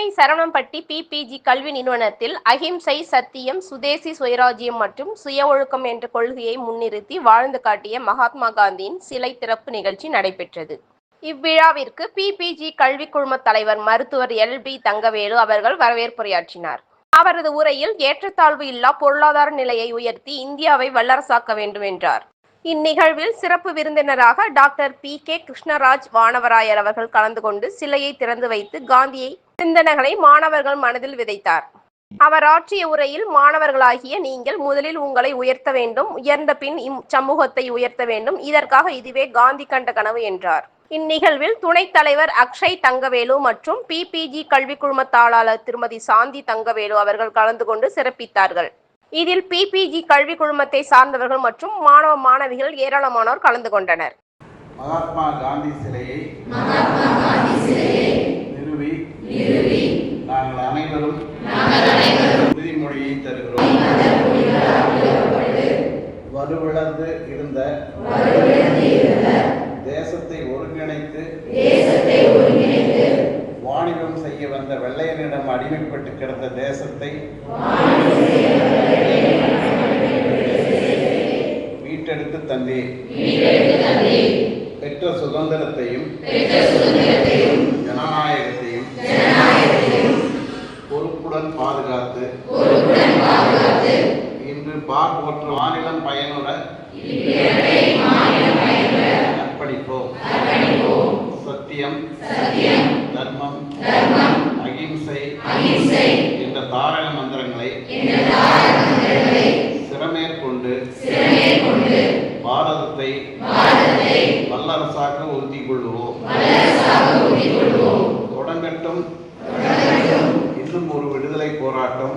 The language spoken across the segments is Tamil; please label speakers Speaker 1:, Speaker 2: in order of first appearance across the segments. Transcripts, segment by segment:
Speaker 1: சென்னை சரவணம்பட்டி பிபிஜி கல்வி நிறுவனத்தில் அகிம்சை, சத்தியம், சுதேசி சுயராஜ்யம் மற்றும் சுய ஒழுக்கம் என்ற கொள்கையை முன்னிறுத்தி வாழ்ந்து காட்டிய மகாத்மா காந்தியின் சிலை திறப்பு நிகழ்ச்சி நடைபெற்றது. இவ்விழாவிற்கு பிபிஜி கல்வி குழும தலைவர் மருத்துவர் எல்.பி. தங்கவேலு அவர்கள் வரவேற்புரையாற்றினார். அவரது உரையில் ஏற்றத்தாழ்வு இல்லா பொருளாதார நிலையை உயர்த்தி இந்தியாவை வல்லரசாக்க வேண்டும் என்றார். இந்நிகழ்வில் சிறப்பு விருந்தினராக டாக்டர் பி.கே. கிருஷ்ணராஜ் வானவராயர் அவர்கள் கலந்து கொண்டு சிலையை திறந்து வைத்து காந்தியை சிந்தனைகளை மாணவர்கள் மனதில் விதைத்தார். அவர் ஆற்றிய உரையில், மாணவர்களாகிய நீங்கள் முதலில் உங்களை உயர்த்த வேண்டும், உயர்ந்த பின் சமூகத்தை உயர்த்த வேண்டும், இதற்காக இதுவே காந்தி கண்ட கனவு என்றார். இந்நிகழ்வில் துணைத் தலைவர் அக்ஷய் தங்கவேலு மற்றும் பிபிஜி கல்வி குழும தாளாளர் திருமதி சாந்தி தங்கவேலு அவர்கள் கலந்து கொண்டு சிறப்பித்தார்கள். இதில் பிபிஜி கல்வி குழுமத்தை சார்ந்தவர்கள் மற்றும் மாணவ மாணவிகள் ஏராளமானோர் கலந்து கொண்டனர்.
Speaker 2: மகாத்மா காந்தி சிலையை நிறுவி நாங்கள் அனைவரும் உறுதிமொழியை தருகிறோம். வலுவிழந்து இருந்த தேசத்தை ஒருங்கிணைத்து வாணிபம் செய்ய வந்த வெள்ளையனிடம் அடிமைப்பட்டு கிடந்த தேசத்தை மீட்டெடுத்து தந்தேன். பெற்ற சுதந்திரத்தையும் ஜனநாயகத்தையும் பொறுப்புடன் பாதுகாத்து இன்று போற்ற மாநிலம் பயனுற அர்ப்பணிப்போம். சத்தியம், தர்மம், அகிம்சை என்ற தாரக மந்திரங்களை சிரமேற்கொண்டு பாரதத்தை வல்லரசாக்க உறுதி கொள்வோம். தொடங்கட்டும் இன்னும் ஒரு விடுதலை போராட்டம்.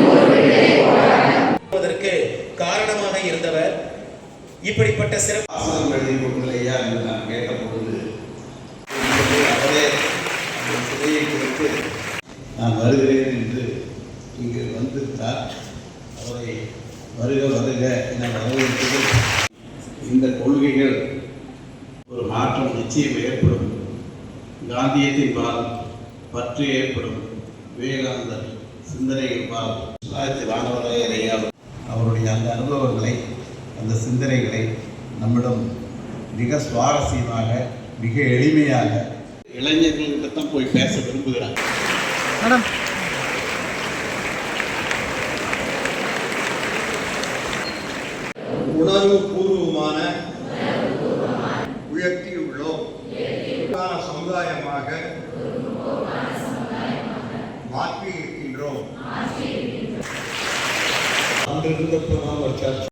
Speaker 3: காரணமாக இருந்தவர் இப்படிப்பட்ட
Speaker 2: சிறப்பு எழுதி கொடுக்கலையா என்று நான் கேட்டபொழுது அவரே அந்த சிலையை கொடுத்து நான் வருகிறேன் என்று இங்கு வந்திருந்தார். அவரை வருக வருக என வரவேற்பது. இந்த கொள்கைகள் ஒரு மாற்றம் நிச்சயம் ஏற்படும். காந்தியத்தின்பால் பற்று ஏற்படும். விவேகானந்தர் சிந்தனைகள்பால் வானவராயரை அவருடைய அந்த அனுபவங்களை, அந்த சிந்தனைகளை நம்மிடம் மிக சுவாரஸ்யமாக, மிக எளிமையாக இளைஞர்கள்கிட்ட தான் போய் பேச விரும்புகிறாங்க.
Speaker 4: உணர்வு பூர்வமான உயர்த்தியுள்ளோம். சமுதாயமாக மாற்றி இருக்கின்றோம். அங்கிருந்த